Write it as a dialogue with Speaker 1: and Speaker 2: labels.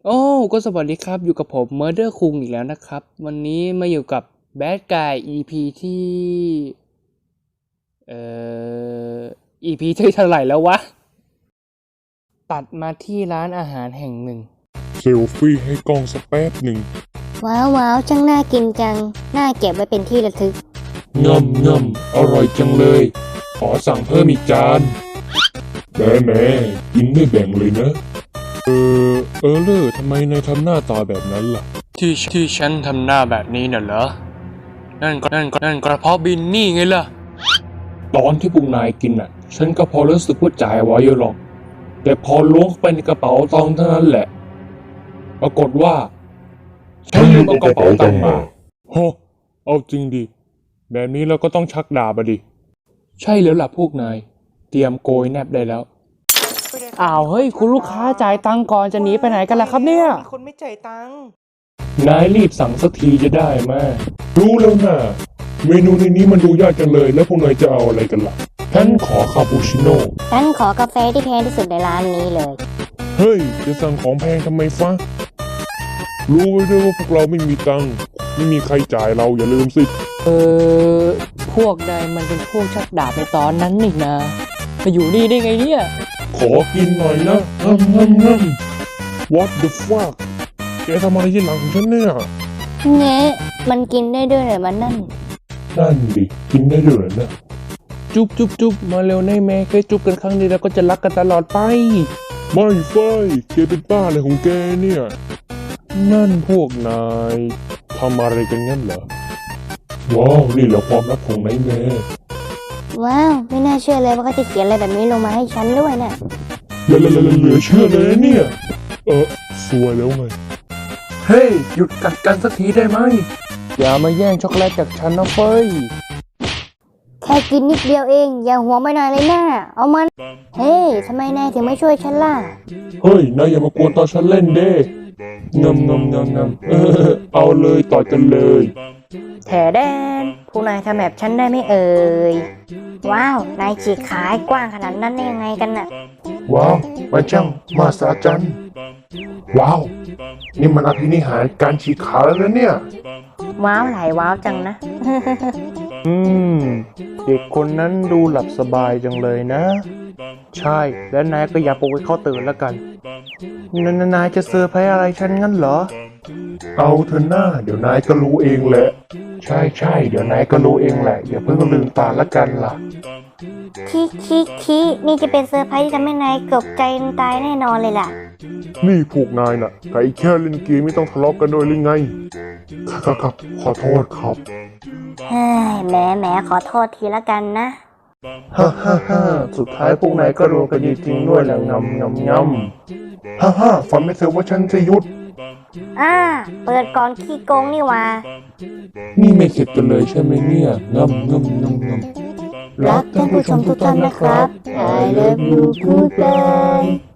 Speaker 1: โอ้ก็สวัสดีครับอยู่กับผม Murder คุงอีกแล้วนะครับ วันนี้มาอยู่กับ Bad Guy EP ที่เอ่อ EP ที่เท่าไหร่แล้ววะ ตัดมาที่ร้านอาหารแห่งหนึ่ง
Speaker 2: เซลฟี่ให้กล้องสักแป๊บหนึ่ง
Speaker 3: ว้าวช่างน่ากินจัง น่าเก็บไว้เป็นที่ระทึก
Speaker 2: ง่ำอร่อยจังเลย ขอสั่งเพิ่มอีกจานแหมกินไม่แบ่งเลยนะเลอทำไมนายทำหน้าตาแบบนั้นล่ะ
Speaker 1: ที่ฉันทำหน้าแบบนี้น่ะเหรอ นั่นกระเพาะบินนี่ไงล่ะ
Speaker 2: ตอนที่พวกนายกินน่ะ ฉันก็พอรู้สึกว่าจ่ายไว้อยู่หรอก แต่พอล้วงเข้าไปในกระเป๋าตังค์เท่านั้นแหละ ปรากฏว่าฉันลืมเอากระเป๋าตังค์มาโหเอาจริงดิ แบบนี้เราก็ต้องชักดาบดิ ใช่แล้วล่ะพวกนาย เตรียมโกยแนบได้แล้ว
Speaker 1: อ้าวเฮ้ยคุณลูกค้าจ่ายตังค์ก่อนจะหนีไปไหนกันล่ะครับเนี่ย
Speaker 4: มีคนไม่จ่ายตังค์
Speaker 2: นายรีบสั่งสักทีจะได้ไหมรู้แล้วนะเมนูในนี้มันดูยากจังเลย แล้วพวกนายจะเอาอะไรกันล่ะฉันขอคาปูชิโน่
Speaker 3: ฉันขอกาแฟที่แพงที่สุดในร้านนี้เลย
Speaker 2: เฮ้ย จะสั่งของแพงทำไมฟะรู้ไว้ด้วยว่าพวกเราไม่มีตังค์ไม่มีใครจ่ายเราอย่าลืมสิ
Speaker 1: พวกนายมันเป็นพวกชักดาบในตอนนั้นนี่นะมาอยู่นี่ได้ไงเนี่ย
Speaker 2: ขอกินหน่อยนะงำ What the fuck แกทำอะไรที่หลังของฉันเนี่ย
Speaker 3: เงี้ยมันกินได้ด้วยเหรอมันนั่น
Speaker 2: นั่นดิกินได้ด้วยเหรอนะ
Speaker 1: จุ๊บมาเร็วในแม่แค่จุ๊บกันครั้งนี้แล้วก็จะรักกันตลอดไป
Speaker 2: ไม่ไฟแกเป็นป้าอะไรของแกเนี่ย นั่นพวกนายทำอะไรกันงั้นเหรอ ว้าวนี่เหรอความรักของนายแม่
Speaker 3: ว้าว ไม่น่าเชื่อเลยว่าเขาจะเขียนอะไรแบบนี้ลงมาให้ฉันด้วยน่ะ
Speaker 2: เหลือเชื่อเลยนะเนี่ย สวยแล้วไง
Speaker 1: เฮ้ยหยุดกัดกันสักทีได้ไหมอย่ามาแย่งช็อกโกแลตจากฉันนะเฟ้ย
Speaker 3: แค่กินนิดเดียวเอง อย่าหัวไม่นานเลยนะเอามัน เฮ้ยทำไมนายถึงไม่ช่วยฉันล่ะ
Speaker 2: เฮ้ยนายอย่ามากวนตอนฉันเล่นเด้งำเอาเลยต่อกันเลย
Speaker 3: แถแดนผู้นายทำแบบฉันได้ไม่เอ่ย ว้าว นายฉีกขายกว้างขนาดนั้นได้ยังไงกันน่ะ
Speaker 2: ว้าวมันช่างมาสาจันว้าว นี่มันอภินิหารการฉีกขาแล้วนะเนี่ย
Speaker 3: ว้าวหลายว้าวจังนะ
Speaker 1: เด็กคนนั้นดูหลับสบายจังเลยนะ ใช่และนายก็อย่าปลุกให้เขาตื่นแล้วกันนายจะเซอร์ไพรส์อะไรฉันงั้นเหรอ
Speaker 2: เอาเถอะหน้าเดี๋ยวนายก็รู้เองแหละ ใช่เดี๋ยวนายก็รู้เองแหละอย่าเพิ่งลืมตาละกันล่ะ
Speaker 3: คินี่จะเป็นเซอร์ไพรส์ที่ทำให้นายเกือบใจตายแน่นอนเลยล่ะ
Speaker 2: นี่พวกนายน่ะไก่แค่เล่นเกมไม่ต้องทะเลาะกันด้วยหรือไงครับขอโทษครับ
Speaker 3: เฮ้ยแหมขอโทษทีละกันนะ
Speaker 2: ฮ่าสุดท้ายพวกนายก็รู้กันจริงๆด้วยแหละงำฝันไม่เถอะว่าฉันจะหยุด
Speaker 3: เปิดก่อนขี้โกงนี่หว่า
Speaker 2: นี่ไม่เข็ดกันเลยใช่ไหมเนี่ยงำ
Speaker 3: รักท่านผู้ชมทุกท่านนะครับ I love you goodbye